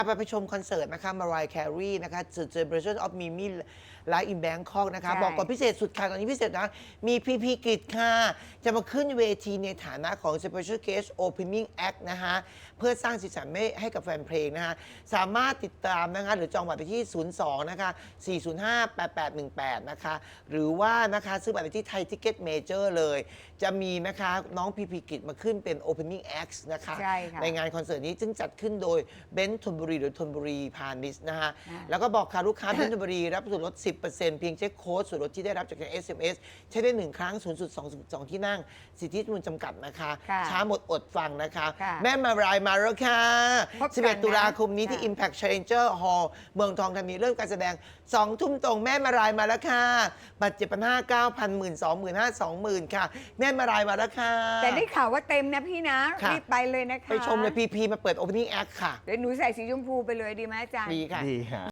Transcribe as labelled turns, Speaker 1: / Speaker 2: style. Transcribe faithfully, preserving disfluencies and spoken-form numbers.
Speaker 1: ไปไปชมคอนเสิร์ตนะคะมารายแครีนะคะ The Celebration of Mimi Live in Bangkok นะคะ บอกก่อนพิเศษสุดค่ะ ตอนนี้พิเศษนะ มีพีพีกิจค่ะ จะมาขึ้นเวทีในฐานะของ Special Guest Opening Act นะคะเพื่อสร้างสีสันให้กับแฟนเพลงนะคะสามารถติดตามนะคะหรือจองบัตรไปที่ ศูนย์ สอง นะคะ สี่ ศูนย์ ห้า แปด แปด หนึ่ง แปด นะคะหรือว่านะคะซื้อบัตรไปที่ไทยทิเก็ตเมเจอร์เลย จะมีนะคะน้องพีพีกิจมาขึ้นเป็น Opening Act นะคะ
Speaker 2: ใช่ค่ะ
Speaker 1: ในงานคอนเสิร์ตนี้ซึ่งจัดขึ้นโดยเบนซ์ธนบุรีหรือธนบุรีพาณิชย์นะฮะแล้วก็บอกค่ะลูกค้า เบนซ์ธนบุรีรับส่วนลด สิบเปอร์เซ็นต์ เพียงเช็คโค้ดส่วนลดที่ได้รับจากทาง เอส เอ็ม เอส ใช้ได้หนึ่งครั้ง ศูนย์จุดสอง สอง ที่นั่งสิทธิมูลจำกัดนะคะ
Speaker 2: ค่ะ
Speaker 1: ช้าหมดอดฟังนะคะ
Speaker 2: ค่ะ
Speaker 1: แม่มารายมาแล้วค่ะ
Speaker 2: พบกันนะ
Speaker 1: สิบเอ็ด ตุลาคมนี้ที่
Speaker 2: ค่ะ
Speaker 1: Impact Challenger Hall เมืองทองธานีเริ่มการแสดง สอง ทุ่มตรงแม่มารายมาแล้วค่ะบัตร เจ็ดพันห้าร้อย เก้าพัน หมื่น สองหมื่น ห้า สองหมื่น ค่ะ แม่มารายมาแล้วค่ะ
Speaker 2: แต่ได้ข่าวว่าเต็มนะพี่นะ
Speaker 1: ค่ะ
Speaker 2: รีบไปเลยนะคะ
Speaker 1: ไปชมเลยพีพีมาเปิด Opening Act ค่ะ
Speaker 2: เดี๋ยวหนูใส่สีชมพูไปเลยดีไหมอาจารย์
Speaker 1: ดีค่ะ
Speaker 3: ดีฮะ